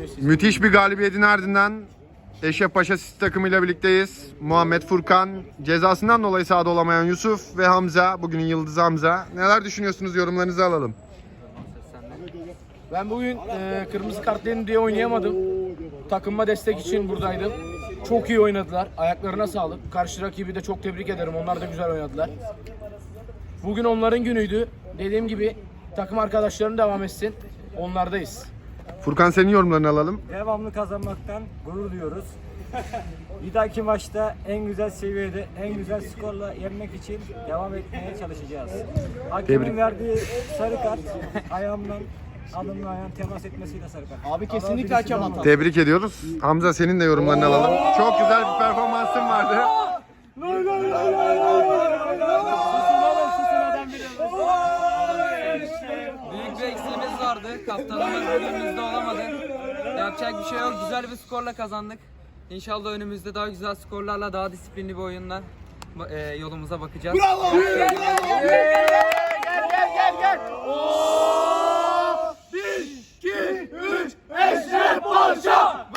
Müthiş bir galibiyetin ardından Eşrefpaşa City takımıyla birlikteyiz. Muhammed, Furkan, cezasından dolayı sahada olamayan Yusuf ve Hamza. Bugünün yıldızı Hamza. Neler düşünüyorsunuz? Yorumlarınızı alalım. Ben bugün kırmızı kartlayın diye oynayamadım. Takımıma destek için buradaydım. Çok iyi oynadılar. Ayaklarına sağlık. Karşı rakibi de çok tebrik ederim. Onlar da güzel oynadılar. Bugün onların günüydü. Dediğim gibi takım arkadaşlarım devam etsin. Onlardayız. Furkan, senin yorumlarını alalım. Devamlı kazanmaktan gurur duyuyoruz. Bir dahaki maçta en güzel seviyede, en güzel skorla yenmek için devam etmeye çalışacağız. Hakemin verdiği sarı kart ayağımdan alnımla ayağım temas etmesiyle sarı kart. Abi kesinlikle hakem hatalı. Tebrik ediyoruz. Hamza, senin de yorumlarını alalım. Çok güzel bir performansın vardı. Büyük bir eksiğimiz vardı. Kaptanımız bugünümüzde olamadı. Yapacak bir şey yok. Güzel bir skorla kazandık. İnşallah önümüzde daha güzel skorlarla, daha disiplinli bir oyunla yolumuza bakacağız. Bravo! Gel!